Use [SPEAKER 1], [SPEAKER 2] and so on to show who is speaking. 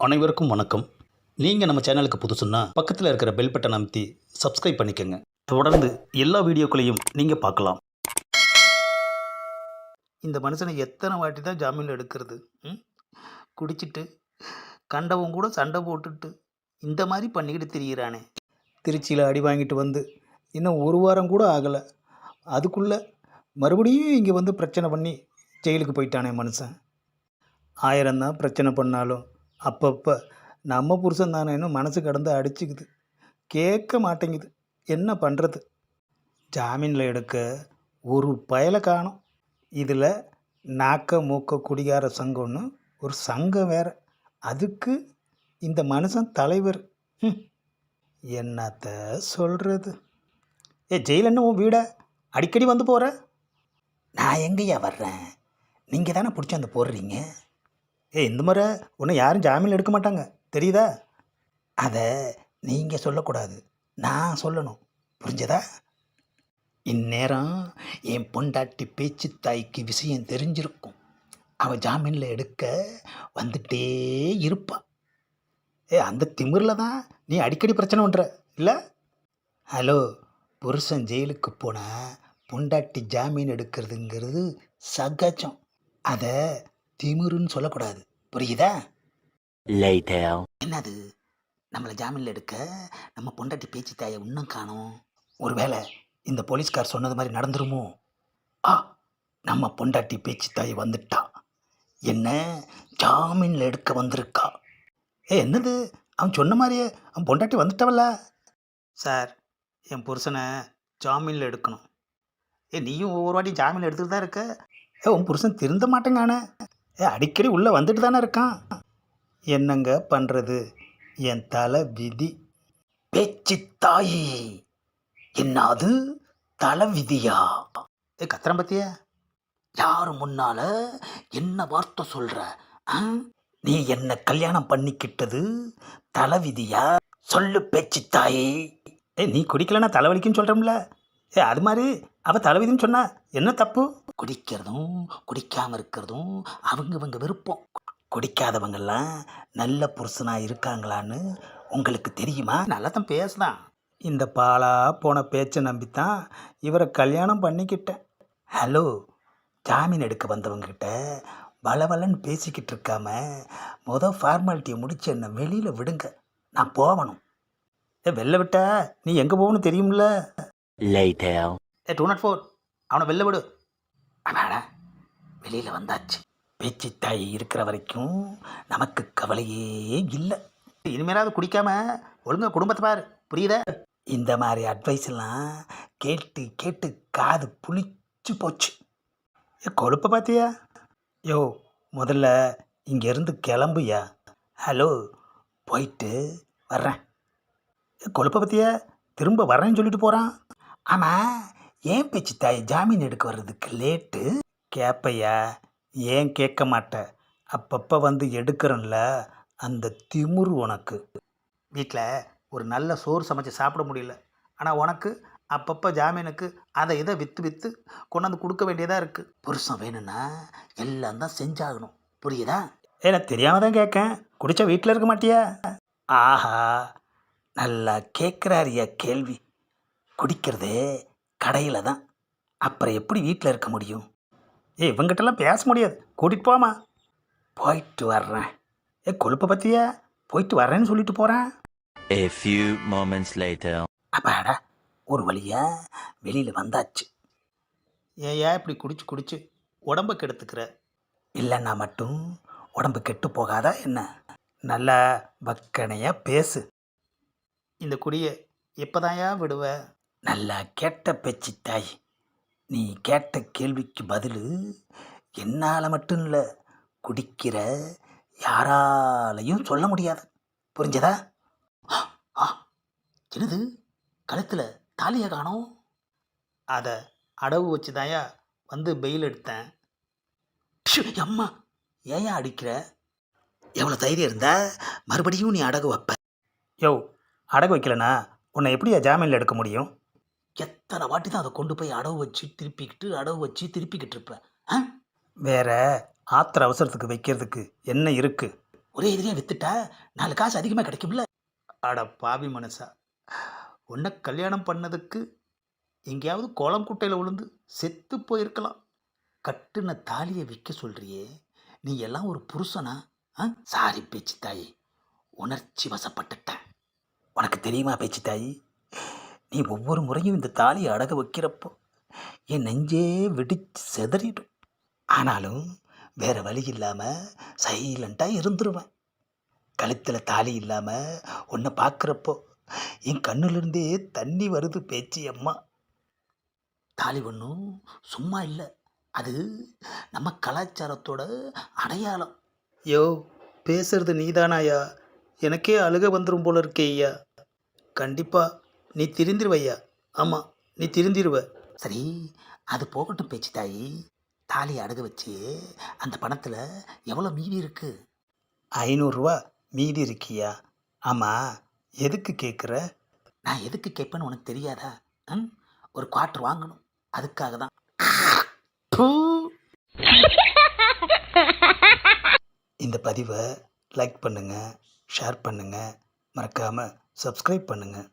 [SPEAKER 1] அனைவருக்கும் வணக்கம். நீங்கள் நம்ம சேனலுக்கு புதுசுன்னா பக்கத்தில் இருக்கிற பெல் பட்டன் அமைத்தி சப்ஸ்கிரைப் பண்ணிக்கோங்க. தொடர்ந்து எல்லா வீடியோக்களையும் நீங்கள் பார்க்கலாம். இந்த மனுஷனை எத்தனை வாட்டி தான் ஜாமீன் எடுக்கிறது? குடிச்சிட்டு கண்டவன் கூட சண்டை போட்டுட்டு இந்த மாதிரி பண்ணிக்கிட்டு திரியிறானே. திருச்சியில் அடி வாங்கிட்டு வந்து இன்னும் ஒரு வாரம் கூட ஆகலை, அதுக்குள்ளே மறுபடியும் இங்கே வந்து பிரச்சனை பண்ணி ஜெயிலுக்கு போயிட்டானே மனுஷன். ஆயிரம்தான் பிரச்சனை பண்ணாலும் அப்பப்போ நம்ம புருஷன் தானேன்னு மனசு கடந்து அடிச்சுக்குது, கேட்க மாட்டேங்குது. என்ன பண்ணுறது? ஜாமீனில் எடுக்க ஒரு பயலை காணும். இதில் நாக்க மூக்க குடிகார சங்கம்னு ஒரு சங்கம் வேறு, அதுக்கு இந்த மனுஷன் தலைவர். என்னத்த சொல்கிறது? ஜெயில் என்ன உன் வீடை அடிக்கடி வந்து போகிற? நான் எங்கேயா வர்றேன்? நீங்கள் தானே பிடிச்சி அந்த போடுறீங்க. இந்த முறை உன்னை யாரும் ஜாமீன் எடுக்க மாட்டாங்க, தெரியுதா? அதை நீங்கள் சொல்லக்கூடாது, நான் சொல்லணும், புரிஞ்சதா? இந்நேரம் என் பொண்டாட்டி பேச்சு தாய்க்கு விஷயம் தெரிஞ்சிருக்கும். அவள் ஜாமீனில் எடுக்க வந்துட்டே இருப்பாள். அந்த திமிரில் தான் நீ அடிக்கடி பிரச்சனை பண்ணுற இல்லை? ஹலோ, புருஷன் ஜெயிலுக்கு போனால் பொண்டாட்டி ஜாமீன் எடுக்கிறதுங்கிறது சகஜம். அதை திமிருன்னு சொல்லக்கூடாது, புரியுதா? என்னது, நம்மளை ஜாமீனில் எடுக்க நம்ம பொண்டாட்டி பேச்சு தாயை இன்னும் காணோம். ஒருவேளை இந்த போலீஸ்கார் சொன்னது மாதிரி நடந்துருமோ? நம்ம பொண்டாட்டி பேச்சு தாய் வந்துட்டா, என்ன ஜாமீனில் எடுக்க வந்திருக்கா. என்னது, அவன் சொன்ன மாதிரியே அவன் பொண்டாட்டி வந்துட்டவல்ல. சார், என் புருஷனை ஜாமீனில் எடுக்கணும். நீயும் ஒவ்வொரு வாட்டி ஜாமீன் எடுத்துகிட்டு தான் இருக்க. உன் புருஷன் திருந்த மாட்டேங்கானே. அடிக்கடி உள்ளே வந்துட்டு தானே இருக்கான். என்னங்க பண்ணுறது, என் தலை விதி. பேச்சு தாயி, என்னது தலை விதியா? கத்திரம் பத்தியா? யாரு முன்னால என்ன வார்த்தை சொல்கிற? நீ என்ன கல்யாணம் பண்ணிக்கிட்டது தலை விதியா? சொல்லு பேச்சு தாயி. நீ குடிக்கலன்னா தலைவலிக்குன்னு சொல்கிறோம்ல, அது மாதிரி அவள் தலைவிதின்னு சொன்னா என்ன தப்பு? குடிக்கிறதும் குடிக்காமல் இருக்கிறதும் அவங்க விருப்பம். குடிக்காதவங்கெல்லாம் நல்ல புருஷனாக இருக்காங்களான்னு உங்களுக்கு தெரியுமா? நல்லா தான் பேசுதான். இந்த பாலா போன பேச்சை நம்பித்தான் இவரை கல்யாணம் பண்ணிக்கிட்டேன். ஹலோ, ஜாமீன் எடுக்க வந்தவங்ககிட்ட வளவலன்னு பேசிக்கிட்டு இருக்காம ஃபார்மாலிட்டியை முடிச்சு என்னை வெளியில் விடுங்க, நான் போகணும். வெளில விட்டா நீ எங்கே போகணும் தெரியும்ல? 204, அவனை வெளில விடு. அடாடா, வெளியில் வந்தாச்சு. பேச்சு தாய் இருக்கிற வரைக்கும் நமக்கு கவலையே இல்லை. இனிமேலாவது குடிக்காம ஒழுங்கா குடும்பத்தை பாரு, புரியுதா? இந்த மாதிரி அட்வைஸ் எல்லாம் கேட்டு கேட்டு காது புளிச்சு போச்சு. கொழுப்பை பார்த்தியா? யோ, முதல்ல இங்கேருந்து கிளம்புயா. ஹலோ, போயிட்டு வர்றேன். கொழுப்பை பார்த்தியா, திரும்ப வர்றேன்னு சொல்லிட்டு போகிறான். ஆமாம், ஏன் பேச்சு தாய் ஜாமீன் எடுக்க வர்றதுக்கு லேட்டு? கேட்பையா? ஏன் கேட்க மாட்டேன்? அப்பப்போ வந்து எடுக்கிறேன்ல, அந்த திமிரு உனக்கு. வீட்டில் ஒரு நல்ல சோறு சமைச்சு சாப்பிட முடியல, ஆனால் உனக்கு அப்பப்போ ஜாமீனுக்கு அதை இதை விற்று கொண்டாந்து கொடுக்க வேண்டியதாக இருக்குது. புருஷன் வேணும்னா எல்லாம் தான் செஞ்சாகணும், புரியுதா? எனக்கு தெரியாமல் தான் கேட்கேன். குடித்தா வீட்டில் இருக்க மாட்டியா? ஆஹா, நல்லா கேட்குறாரியா கேள்வி. குடிக்கிறதே கடையில் தான், அப்புறம் எப்படி வீட்டில் இருக்க முடியும்? இவங்கிட்டலாம் பேச முடியாது, கூட்டிகிட்டு போமா. போயிட்டு வர்றேன். கொழுப்பை பற்றியா? போயிட்டு வர்றேன்னு சொல்லிட்டு போகிறேன். அப்பாடா, ஒரு வழியா வெளியில் வந்தாச்சு. ஏயா இப்படி குடிச்சு உடம்பை கெடுத்துக்கிற? இல்லைன்னா மட்டும் உடம்பு கெட்டு போகாதா என்ன? நல்லா வக்கனையாக பேசு. இந்த குடியை எப்போதாயா விடுவ? நல்லா கேட்ட பேச்சு தாய். நீ கேட்ட கேள்விக்கு பதில் என்னால் மட்டும் இல்லை, குடிக்கிற யாராலையும் சொல்ல முடியாது, புரிஞ்சதா? என்னது, கழுத்தில் தாலியை காணோம்? அதை அடவு வச்சு தாயா வந்து பெயில் எடுத்தேன். அம்மா, ஏயா அடிக்கிற? எவ்வளோ தைரியம் இருந்தா மறுபடியும் நீ அடகு வைப்ப? யோ, அடகு வைக்கலனா உன்னை எப்படியா ஜாமீனில் எடுக்க முடியும்? எத்தனை வாட்டி தான் அதை கொண்டு போய் அடவு வச்சு திருப்பிக்கிட்டு இருப்பேன். வேற ஆத்திர அவசரத்துக்கு வைக்கிறதுக்கு என்ன இருக்குது? ஒரே எதிரியாக வித்துட்டா 4 காசு அதிகமாக கிடைக்கும்ல. அட பாவி மனுஷா, உன்னை கல்யாணம் பண்ணதுக்கு எங்கேயாவது கோலம் குட்டையில் விழுந்து செத்து போயிருக்கலாம். கட்டுன தாலியை விற்க சொல்றியே, நீ எல்லாம் ஒரு புருஷனா? ஆ, சாரி பேச்சு தாயி, உணர்ச்சி வசப்பட்டுட்டேன். உனக்கு தெரியுமா பேச்சு தாயி, நீ ஒவ்வொரு முறையும் இந்த தாலியை அடக வைக்கிறப்போ என் நெஞ்சே வெடிச்சு செதறிடும். ஆனாலும் வேற வழி இல்லாமல் சைலண்ட்டாக இருந்துருவேன். கழுத்தில் தாலி இல்லாமல் உன்னை பார்க்குறப்போ என் கண்ணுலேருந்தே தண்ணி வருது பேச்சு அம்மா. தாலி ஒன்றும் சும்மா இல்லை, அது நம்ம கலாச்சாரத்தோட அடையாளம். யோ, பேசுறது நீதானாயா? எனக்கே அழுக வந்துடும் போல இருக்கே ஐயா. கண்டிப்பாக நீ திருந்திருவையா. ஆமாம், நீ திருந்திருவ. சரி, அது போகட்டும் பேச்சு தாயி. தாலி அடகு வச்சு அந்த பணத்தில் எவ்வளோ மீதி இருக்கு? 500 ரூபா மீதி இருக்கியா? ஆமாம், எதுக்கு கேட்குற? நான் எதுக்கு கேட்பேன்னு உனக்கு தெரியாதா? ம், ஒரு குவார்ட்டர் வாங்கணும், அதுக்காக தான். பூ. இந்த பதிவை லைக் பண்ணுங்கள், ஷேர் பண்ணுங்கள், மறக்காமல் சப்ஸ்கிரைப் பண்ணுங்கள்.